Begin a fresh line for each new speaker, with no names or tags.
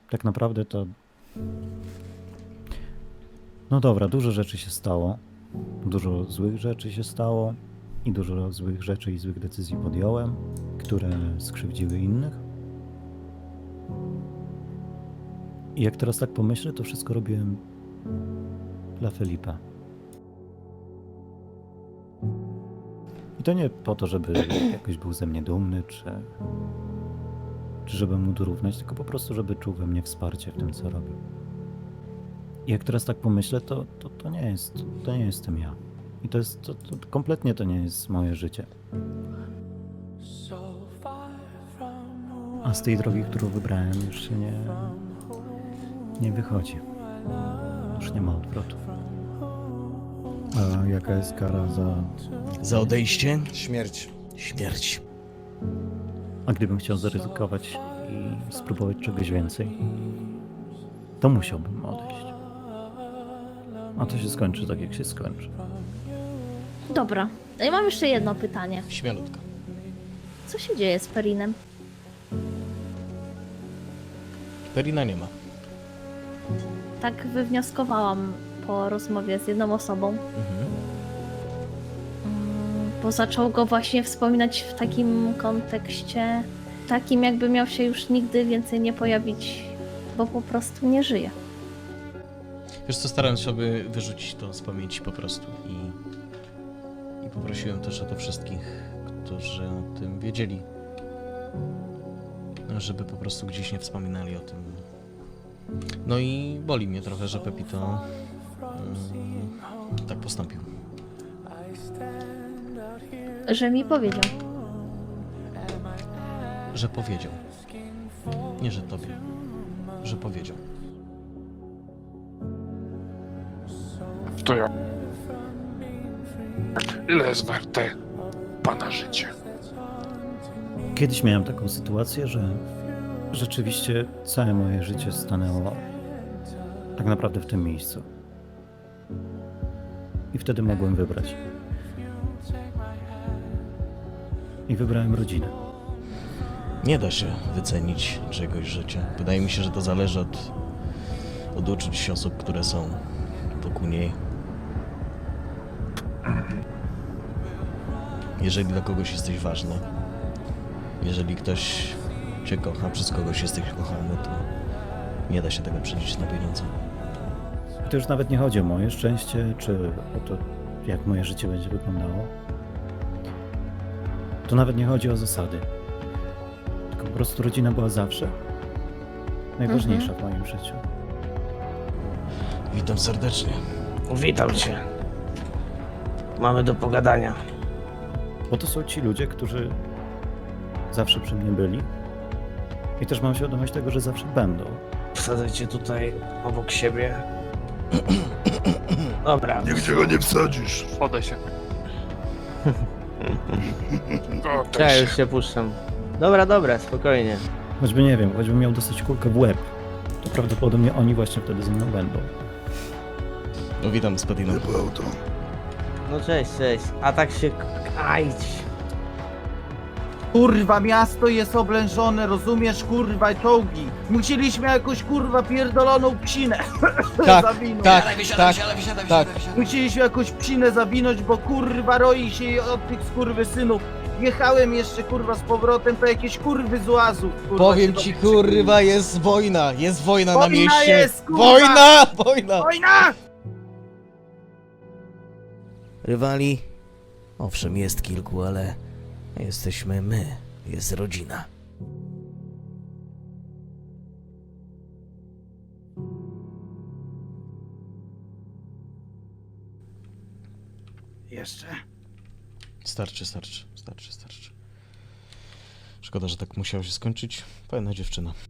tak naprawdę to... No dobra, dużo rzeczy się stało. Dużo złych rzeczy się stało. I dużo złych rzeczy i złych decyzji podjąłem, które skrzywdziły innych. I jak teraz tak pomyślę, to wszystko robiłem dla Felipa. I to nie po to, żeby jakoś był ze mnie dumny, czy żeby mu dorównać, tylko po prostu, żeby czuł we mnie wsparcie w tym, co robił. I jak teraz tak pomyślę, to nie jestem ja. I to kompletnie to nie jest moje życie. A z tej drogi, którą wybrałem, już się nie wychodzi. Już nie ma odwrotu. A jaka jest kara za...
Za odejście?
Śmierć.
Śmierć.
A gdybym chciał zaryzykować i spróbować czegoś więcej, to musiałbym odejść. A to się skończy tak, jak się skończy.
Dobra, ja mam jeszcze jedno pytanie.
Śmielutko.
Co się dzieje z Perinem?
Perina nie ma.
Tak wywnioskowałam po rozmowie z jedną osobą,
Mhm.
bo zaczął go właśnie wspominać w takim kontekście, takim jakby miał się już nigdy więcej nie pojawić, bo po prostu nie żyje.
Wiesz co, starałem się, aby wyrzucić to z pamięci po prostu i poprosiłem też o to wszystkich, którzy o tym wiedzieli, żeby po prostu gdzieś nie wspominali o tym. No i boli mnie trochę, że Pepito tak postąpił.
Że mi powiedział.
Że powiedział. Nie, że tobie. Że powiedział.
To ja. Ile jest warte pana życie?
Kiedyś miałem taką sytuację, że rzeczywiście całe moje życie stanęło tak naprawdę w tym miejscu. I wtedy mogłem wybrać. I wybrałem rodzinę.
Nie da się wycenić czegoś życia. Wydaje mi się, że to zależy od uczuć osób, które są wokół niej. Jeżeli dla kogoś jesteś ważny, jeżeli ktoś cię kocha, przez kogoś jesteś kochany, to nie da się tego przeliczyć na pieniądze.
I to już nawet nie chodzi o moje szczęście, czy o to, jak moje życie będzie wyglądało. To nawet nie chodzi o zasady. Tylko po prostu rodzina była zawsze najważniejsza w moim życiu.
Witam serdecznie.
Witam cię. Mamy do pogadania.
Bo to są ci ludzie, którzy zawsze przy mnie byli. I też mam świadomość tego, że zawsze będą.
Wsadzę cię tutaj obok siebie. Dobra.
Nigdzie go nie wsadzisz. Podaj się.
Ja już się puszczam. Dobra, spokojnie.
Choćby nie wiem, choćbym miał dostać kulkę w łeb, to prawdopodobnie oni właśnie wtedy ze mną będą.
No witam z Petiną.
No cześć. A tak się... Ajdź.
Kurwa, miasto jest oblężone, rozumiesz, kurwa, czołgi. Musieliśmy jakąś, kurwa, pierdoloną psinę zawinąć.
Tak.
Musieliśmy jakąś psinę zawinąć, bo kurwa roi się od tych skurwysynów. Jechałem jeszcze, kurwa, z powrotem, to jakieś kurwy z łazów, kurwa.
Powiem
się
ci,
do mnie przybyły.
kurwa, jest wojna na
Wojna
mieście.
jest, kurwa!
Wojna!
Wojna!
Rywali? Owszem, jest kilku, ale jesteśmy my, jest rodzina.
Jeszcze.
Starczy. Szkoda, że tak musiało się skończyć. Fajna dziewczyna.